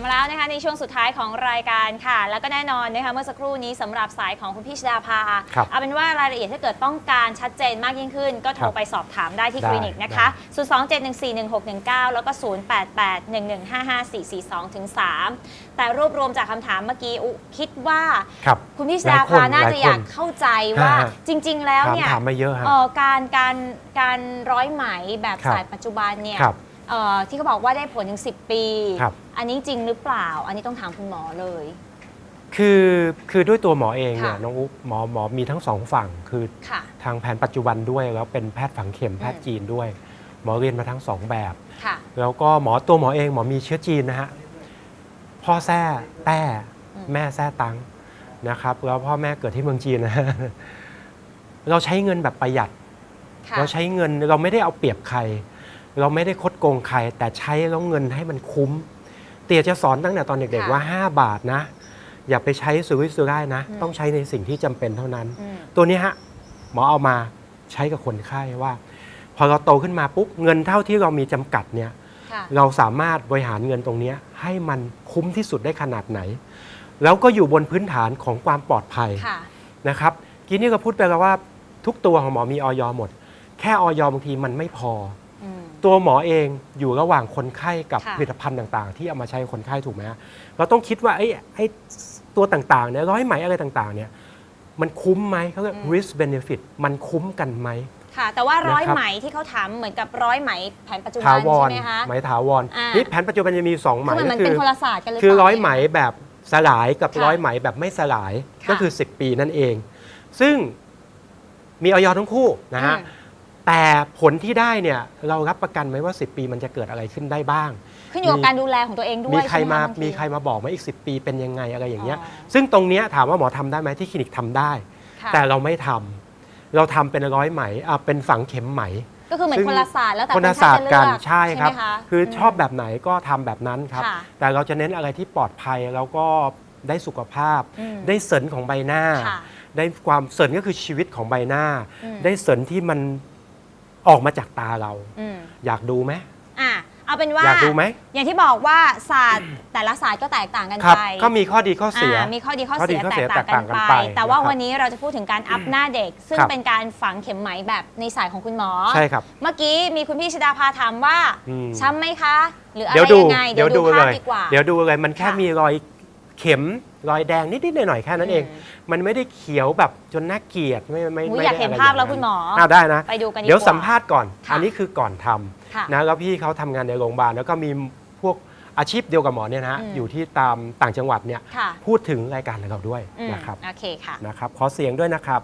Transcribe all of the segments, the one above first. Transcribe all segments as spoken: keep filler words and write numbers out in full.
มาแล้วนะคะในช่วงสุดท้ายของรายการค่ะแล้วก็แน่นอนนะคะเมื่อสักครู่นี้สำหรับสายของคุณพี่ชดาภาเอาเป็นว่ารายละเอียดถ้าเกิดต้องการชัดเจนมากยิ่งขึ้นก็โทรไปสอบถามได้ที่คลินิกนะคะศูนย์ สอง เจ็ด หนึ่ง สี่ หนึ่ง หก หนึ่ง เก้าแล้วก็ศูนย์ แปด แปด หนึ่ง หนึ่ง ห้า ห้า สี่ สี่ สอง ถึง สาม แต่รวบรวมจากคำถามเมื่อกี้อุคิดว่าคุณพี่ชดาภาน่าจะอยากเข้าใจว่าจริงๆแล้วเนี่ยการการการร้อยไหมแบบสายปัจจุบันเนี่ยที่เขาบอกว่าได้ผลถึงสิบปีอันนี้จริงหรือเปล่าอันนี้ต้องถามคุณหมอเลยคือคือด้วยตัวหมอเองเนี่ยน้องอุ๊บหมอหมอมีทั้งสองฝั่งคือทางแผนปัจจุบันด้วยแล้วเป็นแพทย์ฝังเข็มแพทย์จีนด้วยหมอเรียนมาทั้งสองแบบแล้วก็หมอตัวหมอเองหมอมีเชื้อจีนนะฮะพ่อแท้แต้แม่แท้ตังนะครับแล้วพ่อแม่เกิดที่เมืองจีนนะเราใช้เงินแบบประหยัดเราใช้เงินเราไม่ได้เอาเปรียบใครเราไม่ได้คดโกงใครแต่ใช้แล้วเงินให้มันคุ้มเตี๋ยจะสอนตั้งแต่ตอนเด็กๆว่าห้าบาทนะอย่าไปใช้สุรุ่ยสุร่ายนะต้องใช้ในสิ่งที่จำเป็นเท่านั้นตัวนี้ฮะหมอเอามาใช้กับคนไข้ว่าพอเราโตขึ้นมาปุ๊บเงินเท่าที่เรามีจำกัดเนี่ยเราสามารถบริหารเงินตรงนี้ให้มันคุ้มที่สุดได้ขนาดไหนแล้วก็อยู่บนพื้นฐานของความปลอดภัยนะครับกี้นี่ก็พูดไปแล้วว่าทุกตัวของหมอมีออยหมดแค่ออยบางทีมันไม่พอตัวหมอเองอยู่ระหว่างคนไข้กับผลิตภัณฑ์ต่างๆที่เอามาใช้คนไข้ถูกไหมเราต้องคิดว่าไอ้ไอ้ตัวต่างๆเนี่ยร้อยไหมอะไรต่างๆเนี่ยมันคุ้มไหมเขาเรียก risk benefit มันคุ้มกันไหมค่ะแต่ว่าร้อยไหมที่เขาถามเหมือนกับร้อยไหมแผนปัจจุบันใช่ไหมคะไหมถาวรนี่แผนปัจจุบันจะมีสองไหมก็คือเป็นคนละศาสตร์กันเลยคือร้อยไหมแบบสลายกับร้อยไหมแบบไม่สลายก็คือสิบปีนั่นเองซึ่งมีออยทั้งคู่นะฮะแต่ผลที่ได้เนี่ยเรารับประกันไหมว่าสิบปีมันจะเกิดอะไรขึ้นได้บ้างขึ้นอยู่กับการดูแลของตัวเองด้วยมีใครมามีใครมาบอกไหมอีกสิบปีเป็นยังไงอะไรอย่างเงี้ยซึ่งตรงเนี้ยถามว่าหมอทำได้ไหมที่คลินิกทำได้แต่เราไม่ทำเราทำเป็นร้อยไหมอ่ะเป็นฝังเข็มไหมก็คือเหมือนคนละศาสตร์แล้วแต่คนละศาสตร์กันใช่ครับคือชอบแบบไหนก็ทำแบบนั้นครับแต่เราจะเน้นอะไรที่ปลอดภัยแล้วก็ได้สุขภาพได้เสริมของใบหน้าได้ความเสริมก็คือชีวิตของใบหน้าได้เสริมที่มันออกมาจากตาเราอยากดูไหมอ่ะเอาเป็นว่าอยากดูไหมอย่างที่บอกว่าศาสตร์แต่ละศาสตร์ก็แตกต่างกันไปก็มีข้อดีข้อเสียมีข้อดีข้อเสียแตกต่างกันไปแต่ว่าวันนี้เราจะพูดถึงการอัพหน้าเด็กซึ่งเป็นการฝังเข็มไหมแบบในสายของคุณหมอใช่ครับเมื่อกี้มีคุณพี่ชดาภาถามว่าช้ำไหมคะหรืออะไรยังไงเดี๋ยวดูภาพดีกว่าเดี๋ยวดูเลยมันแค่มีรอยเข็มรอยแดงนิดๆหน่อยๆแค่นั้นเองมันไม่ได้เขียวแบบจนน่าเกลียดไม่ไม่ไม่อยากเห็นภาพแล้วคุณหมอได้นะไปดูกันเดี๋ยวสัมภาษณ์ก่อนอันนี้คือก่อนทำนะแล้วพี่เขาทำงานในโรงพยาบาลแล้วก็มีพวกอาชีพเดียวกับหมอเนี่ยนะอยู่ที่ตามต่างจังหวัดเนี่ยพูดถึงรายการของเราด้วยนะครับโอเคค่ะนะครับขอเสียงด้วยนะครับ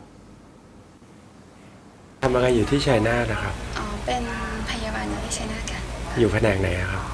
ทำอะไรอยู่ที่ชัยนาทนะครับอ๋อเป็นพยาบาลอยู่ที่ชัยนาทค่ะอยู่แผนกไหนครับ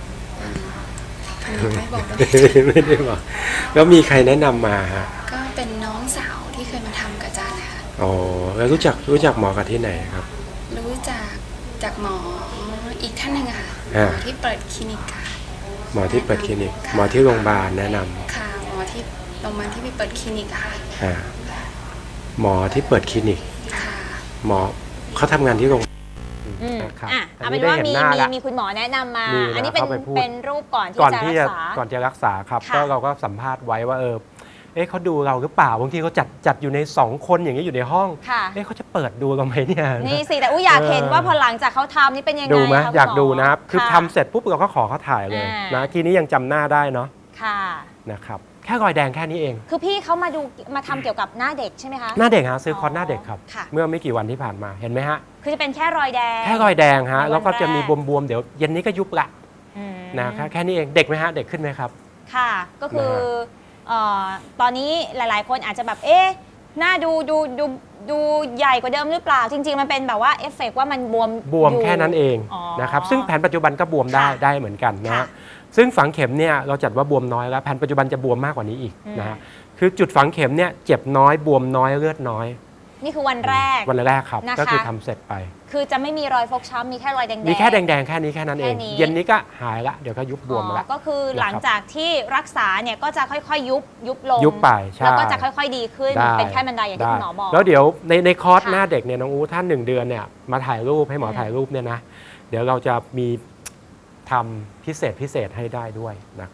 ไม่บอกไม่ได้บอกแล้วมีใครแนะนำมาฮะก็เป็นน้องสาวที่เคยมาทำกับอาจารย์นะคะอ๋อแล้วรู้จักรู้จักหมอกับที่ไหนครับรู้จักจากหมออีกท่านหนึ่งค่ะหมอที่เปิดคลินิกค่ะหมอที่เปิดคลินิกหมอที่โรงพยาบาลแนะนำค่ะหมอที่โรงพยาบาลที่ไปเปิดคลินิกค่ะหมอที่เปิดคลินิกหมอเขาทำงานที่โรงอ่ะเอาเป็นว่ามีมีมีคุณหมอแนะนำมาอันนี้เป็นเป็นรูปก่อนที่จะรักษาก่อนจะรักษาครับก็เราก็สัมภาษณ์ไว้ว่าเออเอ๊ะเขาดูเราหรือเปล่าบางทีเขาจัดจัดอยู่ในสองคนอย่างนี้อยู่ในห้องเอ๊ะเขาจะเปิดดูเราไหมเนี่ยนี่สิแต่อุ้ยอยากเห็นว่าพอหลังจากเขาทำนี่เป็นยังไงดูไหมอยากดูนะครับคือทำเสร็จปุ๊บเราก็ขอเขาถ่ายเลยนะทีนี้ยังจำหน้าได้เนาะค่ะนะครับแค่รอยแดงแค่นี้เองคือพี่เขามาดูมาทำเกี่ยวกับหน้าเด็กใช่ไหมคะหน้าเด็กฮะซื้อคอร์สหน้าเด็กครับเมื่อไม่กี่วันที่ผ่านมาเห็นไหมฮะคือจะเป็นแค่รอยแดงแค่รอยแดงฮะแล้วก็จะมีบวมๆเดี๋ยวเย็นนี้ก็ยุบละนะแค่นี้เองเด็กไหมฮะเด็กขึ้นไหมครับค่ะก็คือตอนนี้หลายๆคนอาจจะแบบเอ๊ะหน้าดูดูดูดูใหญ่กว่าเดิมหรือเปล่าจริงๆมันเป็นแบบว่าเอฟเฟกต์ว่ามันบวมบวมแค่นั้นเองนะครับซึ่งแผนปัจจุบันก็บวมได้ได้เหมือนกันนะซึ่งฝังเข็มเนี่ยเราจัดว่าบวมน้อยแล้วแผนปัจจุบันจะบวมมากกว่านี้อีกนะฮะคือจุดฝังเข็มเนี่ยเจ็บน้อยบวมน้อยเลือดน้อยนี่คือวันแรกวันแรกครับก็คือทำเสร็จไปคือจะไม่มีรอยฟกช้ำมีแค่รอยแดงๆมีแค่แดงๆแค่นี้แค่นั้นเองเย็นนี้ก็หายละเดี๋ยวก็ยุบบวมแล้วก็คือหลังจากที่รักษาเนี่ยก็จะค่อยๆยุบยุบลงยุบไปแล้วก็จะค่อยๆดีขึ้นเป็นแค่บันไดอย่างที่คุณหมอบอกแล้วเดี๋ยวในในคอร์สหน้าเด็กเนี่ยน้องอู๋ท่านหนึ่งเดือนเนี่ยมาถ่ายรูปให้หมอถ่ายรูปเนี่ยนะเดี๋ยวเราจะมีทำพิเศษพิเศษให้ได้ด้วยนะครับ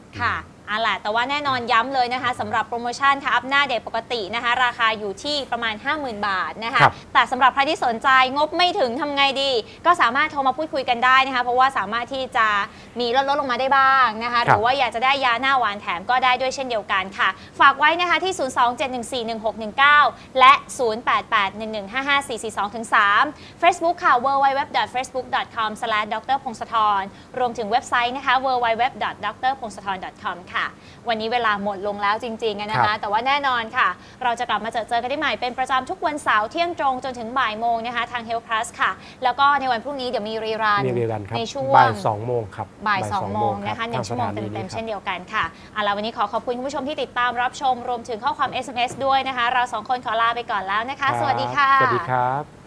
ค่ะอ่ะแหละแต่ว่าแน่นอนย้ำเลยนะคะสำหรับโปรโมชั่นค่ะอัพหน้าเด็กปกตินะคะราคาอยู่ที่ประมาณ ห้าหมื่น บาทนะคะแต่สำหรับใครที่สนใจงบไม่ถึงทำไงดีก็สามารถโทรมาพูดคุยกันได้นะคะเพราะว่าสามารถที่จะมีลดลดลงมาได้บ้างนะคะหรือว่าอยากจะได้ยาหน้าหวานแถมก็ได้ด้วยเช่นเดียวกันค่ะฝากไว้นะคะที่ ศูนย์ สอง เจ็ด หนึ่ง สี่ หนึ่ง หก หนึ่ง เก้า และ ศูนย์ แปด แปด หนึ่ง หนึ่ง ห้า ห้า สี่ สี่ สอง สาม Facebook ค่ะ ดับเบิลยู ดับเบิลยู ดับเบิลยู ดอท เฟซบุ๊ก ดอท คอม สแลช ดร พงศธร รวมถึงเว็บไซต์นะคะ ดับเบิลยู ดับเบิลยู ดับเบิลยู ดอท ดร พงศธร ดอท คอม ค่ะวันนี้เวลาหมดลงแล้วจริงๆนะคะแต่ว่าแน่นอนค่ะเราจะกลับมาเจอเจอกันได้ใหม่เป็นประจำทุกวันเสาร์เที่ยงตรงจนถึงบ่ายโมงนะคะทาง Health Plus ค่ะแล้วก็ในวันพรุ่งนี้เดี๋ยวมีรีรันในช่วงบ่ายสองโมงครับบ่ายสองโมงนะคะหนึ่งชั่วโมงเต็มๆเช่นเดียวกันค่ะเอาล่ะวันนี้ขอขอบคุณคุณผู้ชมที่ติดตามรับชมรวมถึงข้อความ เอส เอ็ม เอส ด้วยนะคะเราสองคนขอลาไปก่อนแล้วนะคะสวัสดีค่ะสวัสดีครับ